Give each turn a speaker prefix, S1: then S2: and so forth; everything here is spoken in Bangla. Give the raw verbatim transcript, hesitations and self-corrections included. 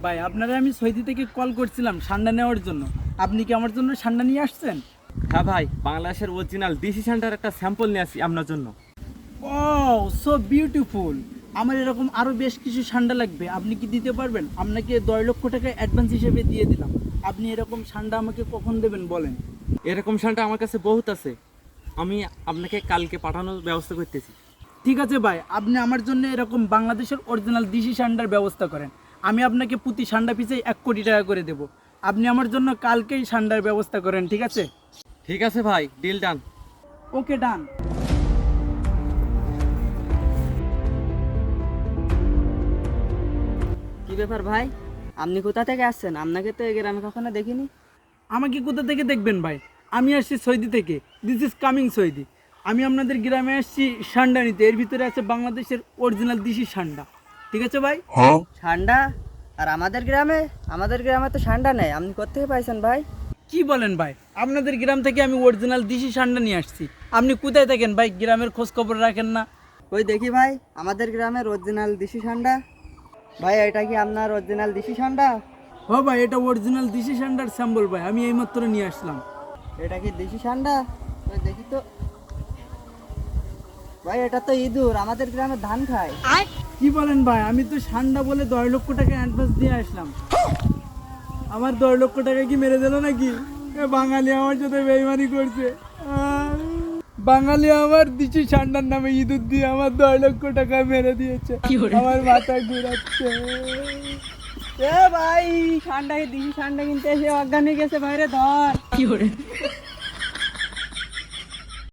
S1: ভাই আপনারা আমি সৌদি থেকে কল করছিলাম ঠান্ডা নেওয়ার জন্য। আপনি কি আমার জন্য ঠান্ডা নিয়ে আসছেন?
S2: হ্যাঁ ভাই, বাংলাদেশের অরিজিনাল ডিসি সেন্টার একটা স্যাম্পল নিয়ে আসি আপনার জন্য।
S1: ও সো বিউটিফুল। আমার এরকম আরও বেশ কিছু ঠান্ডা লাগবে, আপনি কি দিতে পারবেন? আপনাকে দশ লক্ষ টাকা অ্যাডভান্স হিসেবে দিয়ে দিলাম। আপনি এরকম ঠান্ডা আমাকে কখন দেবেন বলেন?
S2: এরকম সেন্টার আমার কাছে বহুত আছে, আমি আপনাকে কালকে পাঠানোর ব্যবস্থা করতেছি।
S1: ঠিক আছে ভাই, আপনি আমার জন্য এরকম বাংলাদেশের অরিজিনাল দিশি সান্ডার ব্যবস্থা করেন। আমি আপনাকে প্রতি সান্ডা পিছাই এক কোটি টাকা করে দেব। আপনি আমার জন্য কালকেই সান্ডার ব্যবস্থা করেন, ঠিক আছে?
S2: ঠিক আছে ভাই, ডিল ডান।
S1: ওকে ডান।
S3: কি ব্যাপার ভাই, আপনি কোথা থেকে আসছেন? আপনাকে তো এই গ্রামে কখনো দেখিনি।
S1: আমাকে কোথা থেকে দেখবেন ভাই? আমি আসছি সৌদি থেকে। This is coming Saudi. আমি আপনাদের গ্রামে আসছি সান্ডা নিতে। এর ভিতরে আছে বাংলাদেশের অরিজিনাল দিশি সান্ডা, ঠিক আছে ভাই?
S3: ঠান্ডা? আর আমাদের গ্রামে আমাদের গ্রামে তো ঠান্ডা নেই, আপনি কোথেকে পাইছেন ভাই?
S1: কি বলেন ভাই? আপনাদের গ্রাম থেকে আমি অরিজিনাল দিশি সান্ডা নিয়ে আসছি। আপনি কোথায় থাকেন ভাই? গ্রামের খোঁজ খবর রাখেন না?
S3: ওই দেখি ভাই, আমাদের গ্রামের অরিজিনাল দিশি ঠান্ডা। ভাই এটা কি আপনার অরিজিনাল দিশি ঠান্ডা?
S1: ও ভাই, এটা অরিজিনাল দিশি সান্ডার স্যাম্পল ভাই, আমি এইমাত্র নিয়ে আসলাম।
S3: এটা কি দেশি ঠান্ডা? ওই দেখি তো ভাই, এটা তো ইঁদুর আমাদের গ্রামে ধান খায়।
S1: কি বলেন ভাই? আমি তো সান্ডা বলে দশ লক্ষ টাকা অ্যাডভান্স দিয়ে আসলাম। আমার দশ লক্ষ টাকা কি মেরে দিল নাকি? এ বাঙালি আমার সাথে বেইমানি করছে। আহ, বাঙালি আমার দিশি সান্ডার নামে ইঁদুর দিয়ে আমার দশ লক্ষ টাকা মেরে দিয়েছে। আমার মাথা ঘুরাচ্ছে।
S3: এ ভাই, ঠান্ডা দিশি ঠান্ডা কিনতে এসে অজ্ঞান হয়ে গেছে, বাইরে ধর।